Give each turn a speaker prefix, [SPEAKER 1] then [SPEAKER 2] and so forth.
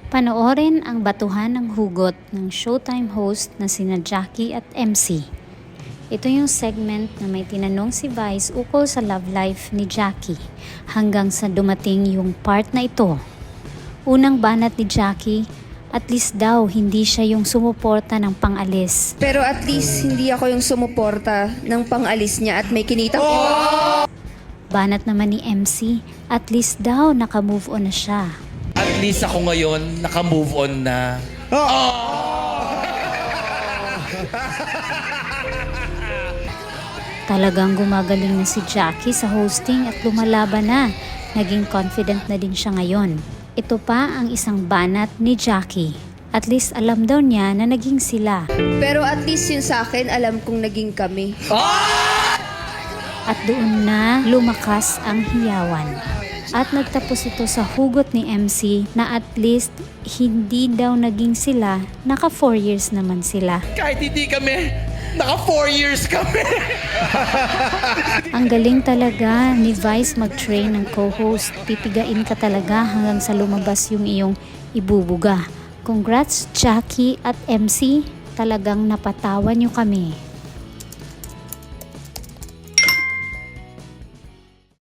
[SPEAKER 1] Panoorin ang Batuhan ng Hugot ng Showtime host na sina Jackie at MC. Ito yung segment na may tinanong si Vice ukol sa love life ni Jackie hanggang sa dumating yung part na ito. Unang banat ni Jackie, at least daw hindi siya yung sumuporta ng pangalis.
[SPEAKER 2] Pero at least hindi ako yung sumuporta ng pangalis niya at may kinitang
[SPEAKER 1] Banat naman ni MC, at least daw naka-move on na siya.
[SPEAKER 3] At least ako ngayon, naka-move on na.
[SPEAKER 1] Talagang gumagaling na si Jackie sa hosting at lumalaban na. Naging confident na din siya ngayon. Ito pa ang isang banat ni Jackie. At least alam daw niya na naging sila.
[SPEAKER 2] Pero at least yun sa akin, alam kong naging kami.
[SPEAKER 1] At doon na lumakas ang hiyawan. At nagtapos ito sa hugot ni MC na at least hindi daw naging sila, naka 4 years naman sila.
[SPEAKER 3] Kahit hindi kami, naka 4 years kami.
[SPEAKER 1] Ang galing talaga ni Vice mag-train ng co-host. Pipigain ka talaga hanggang sa lumabas yung iyong ibubuga. Congrats Jackie at MC, talagang napatawan niyo kami.